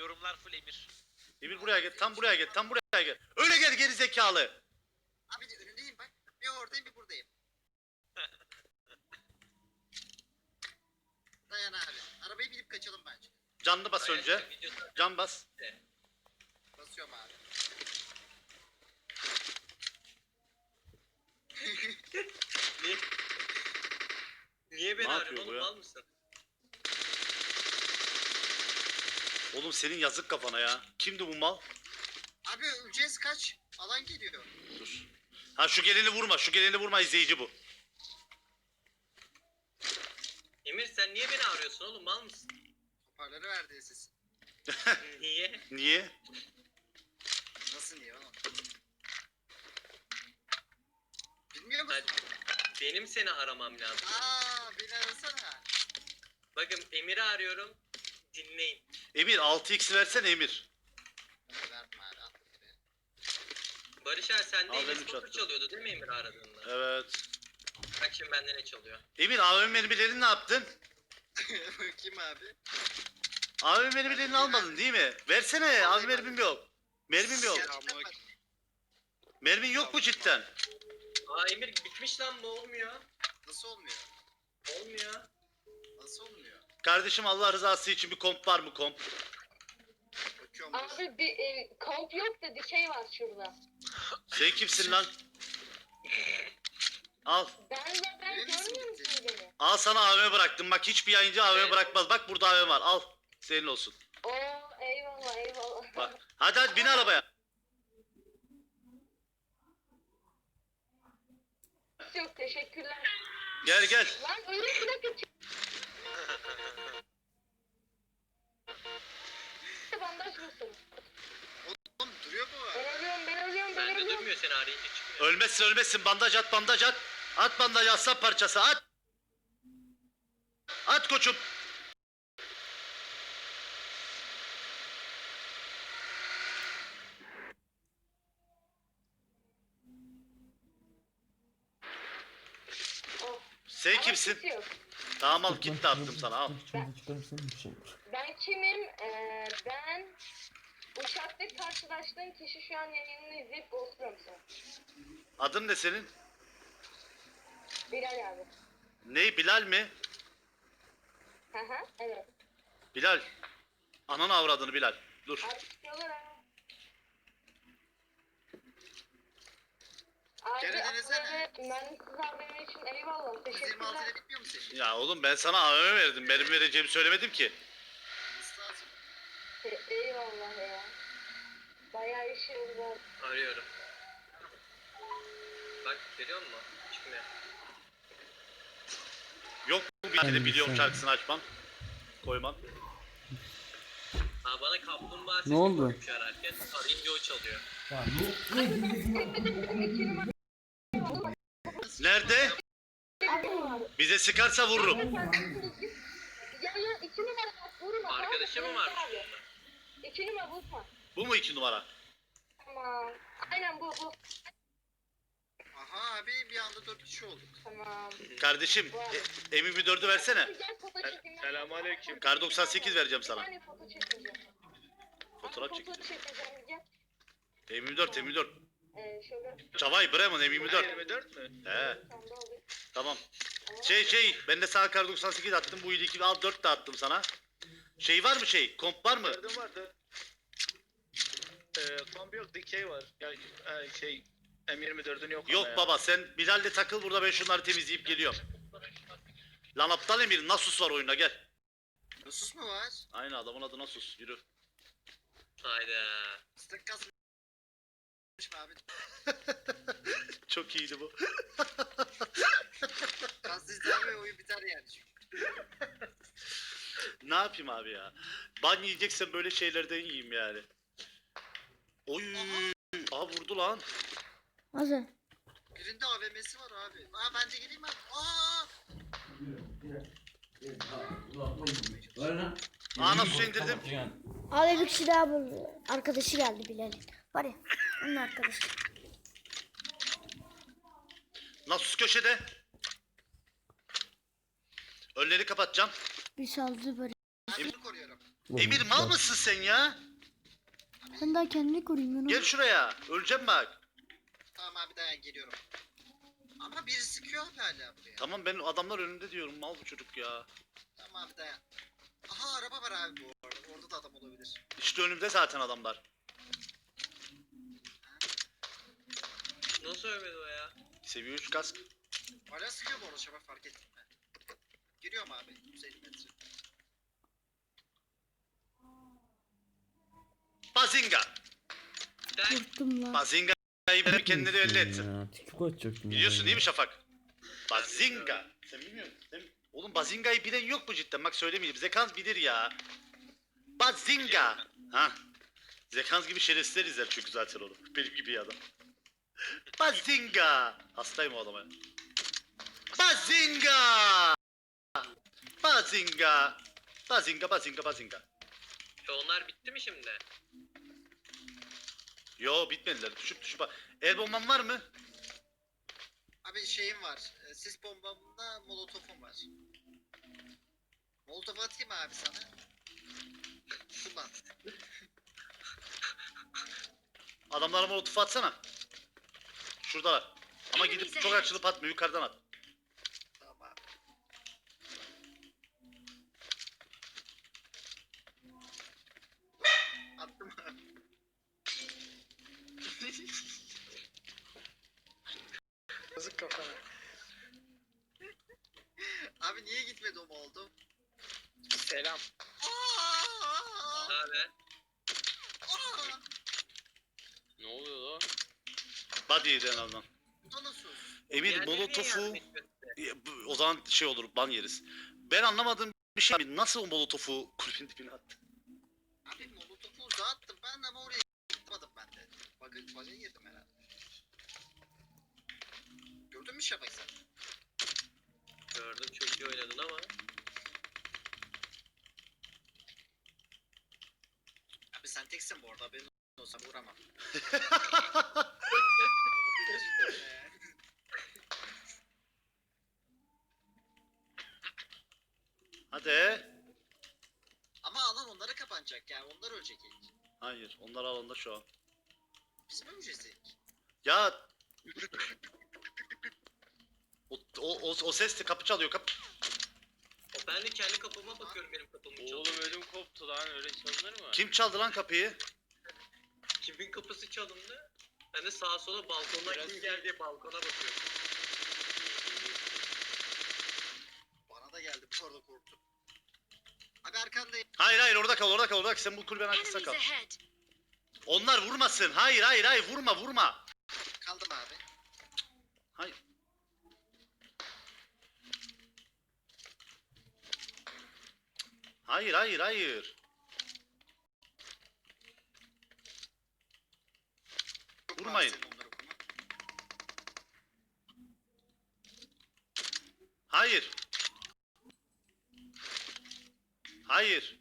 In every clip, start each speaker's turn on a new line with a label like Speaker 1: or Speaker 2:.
Speaker 1: Yorumlar full Emir.
Speaker 2: Emir buraya gel. Tam buraya gel. Tam buraya gel. Öyle gel geri zekalı.
Speaker 3: Abi de önündeyim bak. Bir oradayım bir buradayım. Dayan abi. Arabayı binip kaçalım bence.
Speaker 2: Canlı bas önce. Can bas.
Speaker 3: Basıyorum abi.
Speaker 4: Niye? Niye beni
Speaker 2: Ne
Speaker 4: arıyorsun
Speaker 2: yapıyor bu
Speaker 4: oğlum,
Speaker 2: ya?
Speaker 4: mal mısın?
Speaker 2: Oğlum senin yazık kafana ya. Kimdi bu mal?
Speaker 3: Abi öleceğiz kaç. Alan geliyor.
Speaker 2: Dur. Ha şu geleni vurma. Şu geleni vurma, izleyici bu.
Speaker 4: Emir sen niye beni arıyorsun oğlum, mal mısın?
Speaker 3: Hoparlörü verdi ses.
Speaker 4: Niye?
Speaker 2: Niye?
Speaker 3: Nasıl niye oğlum? Bilmiyor musun?
Speaker 4: Hadi. Benim seni aramam lazım.
Speaker 3: Beni arasana.
Speaker 4: Bakın Emir'i arıyorum. Dinleyin.
Speaker 2: Emir 6x versene Emir.
Speaker 3: Verdim abi attım buraya.
Speaker 4: Barış abi sende
Speaker 2: Al benim
Speaker 4: Enes Batur
Speaker 2: çattım.
Speaker 4: çalıyordu değil mi Emir aradığında?
Speaker 2: Evet.
Speaker 4: Bak şimdi bende ne çalıyor?
Speaker 2: Emir AVM mermilerini ne yaptın?
Speaker 3: Bakayım abi.
Speaker 2: AVM mermilerini almadın değil mi? Versene. AVM mermim yok. Mermim yok.
Speaker 3: Gerçekten bak.
Speaker 2: Mermin yok mu cidden?
Speaker 4: Aa Emir bitmiş lan, bu olmuyor.
Speaker 3: Nasıl olmuyor?
Speaker 4: Olmuyor.
Speaker 3: Nasıl olmuyor?
Speaker 2: Kardeşim Allah rızası için bir komp var mı komp?
Speaker 3: Bakıyorum. dur.
Speaker 5: Abi bir komp yok da bir şey var şurada.
Speaker 2: Sen kimsin lan? Al.
Speaker 5: Ben
Speaker 3: Benim isim
Speaker 5: görmüyor
Speaker 3: gitti.
Speaker 5: musun beni?
Speaker 2: Al sana AVM bıraktım. Bak hiçbir yayıncı AVM
Speaker 4: Evet.
Speaker 2: bırakmaz. Bak burada AVM var. Al. Senin olsun.
Speaker 5: Oo eyvallah eyvallah.
Speaker 2: Bak. Hadi bin arabaya.
Speaker 5: Yok teşekkürler.
Speaker 2: Gel gel.
Speaker 5: Lan öyle bir dakika çık. Bandaj mısın?
Speaker 3: Oğlum duruyor mu?
Speaker 5: Ben ölüyorum.
Speaker 4: Bende durmuyor, seni arayınca çıkmıyor.
Speaker 2: Ölmezsin ölmezsin. Bandaj at bandaj at. At bandaj aslan parçası at. At koçum.
Speaker 5: Oh.
Speaker 2: Sen
Speaker 5: Ama
Speaker 2: kimsin?
Speaker 5: kimse yok.
Speaker 2: Tamam al kit de attım sana al.
Speaker 5: Ben kimim? Ben uçakta karşılaştığım kişi, şu an yayınını izleyip ghostluyorum sana.
Speaker 2: Adın ne senin?
Speaker 5: Bilal abi.
Speaker 2: Ne Bilal mi?
Speaker 5: Hı hı evet.
Speaker 2: Bilal. Ananı avradını Bilal. Dur.
Speaker 5: Abi çıkıyorlar ha. Abi
Speaker 3: Gene denesene.
Speaker 5: mühendisiz abim için eyvallah.
Speaker 3: 126
Speaker 5: Teşekkürler.
Speaker 3: ile bitmiyor mu senin?
Speaker 2: Ya oğlum ben sana AVM verdim. Benim vereceğimi söylemedim ki.
Speaker 3: Nasıl lazım?
Speaker 5: Eyvallah ya. Bayağı işimiz var.
Speaker 4: Arıyorum. Bak görüyor musun? Çıkmıyor.
Speaker 2: Yok mu bir kere biliyorum şarkısını açmam. Koymam.
Speaker 4: Ha bana kaplumbağa sesi
Speaker 6: Ne oldu?
Speaker 4: koymuş ararken. Arayınca o çalıyor.
Speaker 2: Nerede? Bize sıkarsa vururum.
Speaker 5: Ya 2 numara bak vurma.
Speaker 4: Arkadaşı mı varmış
Speaker 5: abi?
Speaker 4: bunda?
Speaker 5: 2 numara vurma.
Speaker 2: Bu mu 2 numara?
Speaker 5: Tamam. Aynen bu.
Speaker 3: Aha abi bir anda 4 kişi olduk.
Speaker 5: Tamam.
Speaker 2: Kardeşim M24'ü versene.
Speaker 5: Gel foto çekeyim.
Speaker 4: Selamünaleyküm.
Speaker 2: Kar 98 vereceğim
Speaker 5: Bir
Speaker 2: sana.
Speaker 5: tane foto çekeceğim.
Speaker 2: Fotoğraf
Speaker 5: Foto
Speaker 2: çekeceğim.
Speaker 5: çekeceğim gel.
Speaker 2: M24.
Speaker 5: Şöyle.
Speaker 2: Çavay Bremen M24.
Speaker 4: 24 mü?
Speaker 2: He
Speaker 5: Tam da olur.
Speaker 2: tamam. Ben de sana kar 98 attım. Bu ilki al 4 de attım sana. Şey var mı şey? Komp var mı?
Speaker 7: Gördüm vardı. Kombi yok, dikey var. Yani şey M24'ün yok.
Speaker 2: Yok
Speaker 7: ama ya.
Speaker 2: baba sen Bilal'le takıl burada, ben şunları temizleyip geliyorum. Lan aptal Emir Nasus var oyunda gel.
Speaker 3: Nasus mu var?
Speaker 2: Aynı adamın adı Nasus, yürü.
Speaker 4: Hayda.
Speaker 3: Sık kasmış mı abi?
Speaker 2: Çok iyiydi bu.
Speaker 3: Kaslı izler ve oyun biter yani.
Speaker 2: Ne yapayım abi ya? Ban yiyeceksen böyle şeylerden yiyeyim yani. Oy. Aa vurdu lan.
Speaker 6: Hazır.
Speaker 3: Birinde AVM'si var abi. Ben de geleyim abi.
Speaker 2: Aa Nasus'u indirdim.
Speaker 6: Abi bir kişi daha buldu. Arkadaşı geldi Bilal'in. Var ya onun arkadaşı.
Speaker 2: Nasus köşede. Önleri kapatacağım.
Speaker 6: Bir saldı böyle.
Speaker 3: Ben bunu koruyorum.
Speaker 2: Emir mal mısın sen ya?
Speaker 6: Sen daha kendini koruyayım ben.
Speaker 2: Gel şuraya. Öleceğim bak.
Speaker 3: Tamam abi dayan geliyorum. Ama biri sıkıyor abi hala buraya.
Speaker 2: Tamam ben adamlar önünde diyorum. Mal bu çocuk ya.
Speaker 3: Tamam abi dayan. Aha araba var abi bu arada. Orada da adam olabilir.
Speaker 2: İşte önümde zaten adamlar.
Speaker 4: Nasıl ölmedi o ya?
Speaker 2: Seviye 3 kask.
Speaker 3: Hala sıkıyor bu arada şabak fark ettim ben. Giriyorum abi 150 metre.
Speaker 2: Bazinga.
Speaker 4: Gel.
Speaker 6: Korktum lan.
Speaker 2: Bazinga'yı benim kendine belli etsin.
Speaker 1: Ya, TikTok açacaktım.
Speaker 2: Biliyorsun değil mi Şafak? Bazinga. Sen bilmiyor musun? Oğlum Bazinga'yı bilen yok mu cidden? Bak söylemeyeyim. Zekans bilir ya. Bazinga. Ha. Zekans gibi şerefsizler izler çünkü zaten onu. Benim gibi bir adam. Bazinga. Hastayım o adama. Bazinga. Bazinga. Bazinga, bazinga, bazinga.
Speaker 4: Onlar bitti mi şimdi?
Speaker 2: Yo bitmediler. Düşüp bak. El bomban var mı?
Speaker 3: Abi şeyim var. Sis bombamda molotofum var. Molotof atayım abi sana. Kullan.
Speaker 2: Adamlara molotof atsana. Şuradalar. Ama gidip çok açılıp atma. Yukarıdan at.
Speaker 3: Tamam abi. Attım abi. Yazık kafana. Abi niye gitmedi o molotof?
Speaker 7: Selam.
Speaker 4: Abi.
Speaker 7: Ne oluyor lan?
Speaker 2: Body'ydi en azından.
Speaker 3: Bu da nasıl?
Speaker 2: Emir
Speaker 4: Diğerleri niye
Speaker 2: molotofu
Speaker 4: yardım etmedi?
Speaker 2: o zaman şey olur ban yeriz. Ben anlamadığım bir şey abi nasıl o molotofu kulübün dibine attı?
Speaker 3: Abi molotofu uzağa attım ben ama oraya gitmedim ben de. Baga girdim herhalde. Gördün mü Şafak sen?
Speaker 4: Gördüm çok iyi oynadın ama.
Speaker 3: Abi sen teksin bu arada benim olsa vuramam.
Speaker 2: Hadi.
Speaker 3: Ama alan onlara kapanacak yani onlar ölecek ilk.
Speaker 2: Hayır onlar alanda şu an.
Speaker 3: Biz mi öleceğiz ilk?
Speaker 2: Ya o sesli kapı çalıyor kapı.
Speaker 4: Ben de kendi kapıma bakıyorum benim kapımı çalıyor.
Speaker 7: Oğlum ödüm koptu lan öyle çalınır mı?
Speaker 2: Kim çaldı lan kapıyı?
Speaker 4: Kimin kapısı çalındı? Ben de sağa sola balkondan
Speaker 7: Biraz-
Speaker 4: kim geldi diye balkona bakıyorum.
Speaker 3: Bana da geldi bu arada korktum. Abi arkandayım.
Speaker 2: Hayır orada kal orada kal orada kal. Sen bu kulübenin arkasında kal. Onlar vurmasın. Hayır vurma.
Speaker 3: Kaldım abi.
Speaker 2: Hayır. Hayır.
Speaker 3: Çok
Speaker 2: Vurmayın.
Speaker 3: rahatsız onları vurmak.
Speaker 2: Hayır.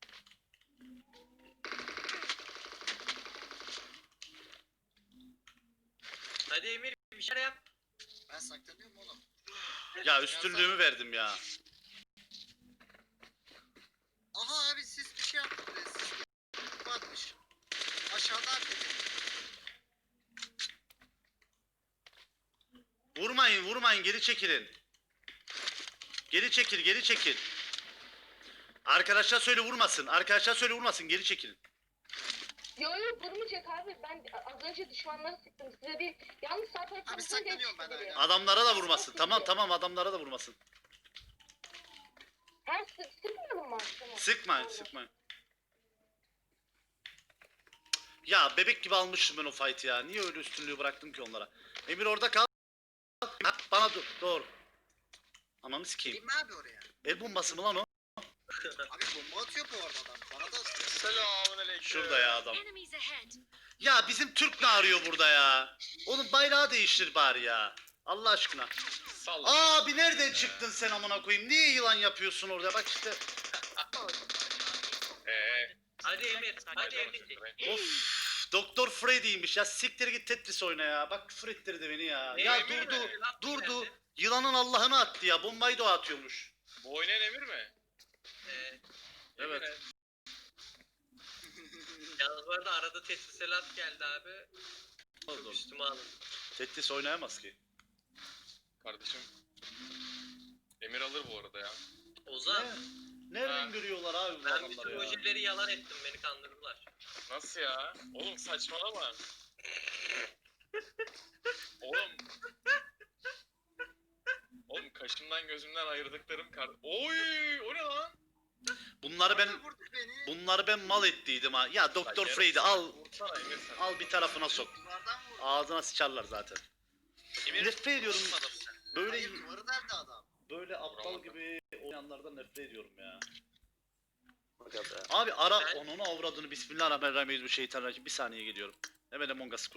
Speaker 4: Hadi Emir bir şeyler yap.
Speaker 3: Ben saklanıyorum oğlum.
Speaker 2: Ya üstünlüğümü verdim ya.
Speaker 3: Aha abi siz bir şey yaptınız. Siz batmış. Aşağıda abi.
Speaker 2: Vurmayın geri çekilin. Geri çekil. Arkadaşlar söyle vurmasın geri çekilin.
Speaker 5: Yo vurmayacak abi. Ben az önce düşmanları sıktım. Size değil. Yalnız sağ taraftan
Speaker 3: Abi saklanıyorum ben hala.
Speaker 2: Adamlara da vurmasın. Tamam adamlara da vurmasın.
Speaker 5: Ha sıkmıyorum mu? Tamam.
Speaker 2: Sıkmayın. Ya bebek gibi almışım ben o fight'ı ya. Niye öyle üstünlüğü bıraktım ki onlara? Emir orada kal. Ha, bana doğru. Ananı sikeyim.
Speaker 3: Gideyim mi abi oraya?
Speaker 2: El bombası mı lan o?
Speaker 3: Abi bomba atıyor bu arada adam. Bana da atıyor.
Speaker 7: Selamünaleyküm.
Speaker 2: Şurada ya adam.
Speaker 8: Enemies ahead.
Speaker 2: Ya bizim Türk ne arıyor burada ya? Oğlum bayrağı değiştir bari ya. Allah aşkına.
Speaker 7: Salla.
Speaker 2: Abi nereden çıktın sen amına koyayım? Niye yılan yapıyorsun orada? Bak işte.
Speaker 4: Hadi Emir. Hadi Emir.
Speaker 2: Of. Doktor Freddy'ymiş ya. Siktir git Tetris oyna ya. Bak küfür ettirdi beni ya. Ya
Speaker 4: Emir mi?
Speaker 2: durdu. Yılanın Allah'ını attı ya. Bombayı da o atıyormuş.
Speaker 7: Bu oynayan Emir mi?
Speaker 4: Ee,
Speaker 2: Evet.
Speaker 7: Emir,
Speaker 4: Bu arada arada Tetriselat geldi abi. Çok
Speaker 2: Oğlum,
Speaker 4: üstüme alın.
Speaker 2: Tetris oynayamaz ki.
Speaker 1: Kardeşim. Emir alır bu arada ya.
Speaker 4: Ozan,
Speaker 2: Nereden görüyorlar abi bu
Speaker 4: ben bütün
Speaker 2: adamları ya?
Speaker 4: projeleri yalan ettim, beni kandırdılar.
Speaker 1: Nasıl ya? Oğlum saçmalama. Oğlum. Oğlum kaşımdan gözümden ayırdıklarım kar... Oy! O ne lan?
Speaker 2: Bunları ben mal ettiydim ha. Ya Doktor
Speaker 1: Lan
Speaker 2: Freddy
Speaker 1: yarım
Speaker 2: al
Speaker 1: saat vursana Emir sen.
Speaker 2: al bir tarafına sok.
Speaker 3: Duvardan vurdu.
Speaker 2: Ağzına sıçarlar zaten. Nefret ediyorum. Böyle
Speaker 3: Hayır duvarı deldi adam.
Speaker 2: böyle aptal
Speaker 1: Vuramadım.
Speaker 2: gibi oynayanlardan nefret ediyorum ya.
Speaker 8: Aga be.
Speaker 2: Abi ara
Speaker 4: Ben-
Speaker 2: onun avradını bismillahirrahmanirrahim bir şeytanirracim. Bir saniye geliyorum. Hemen Among Us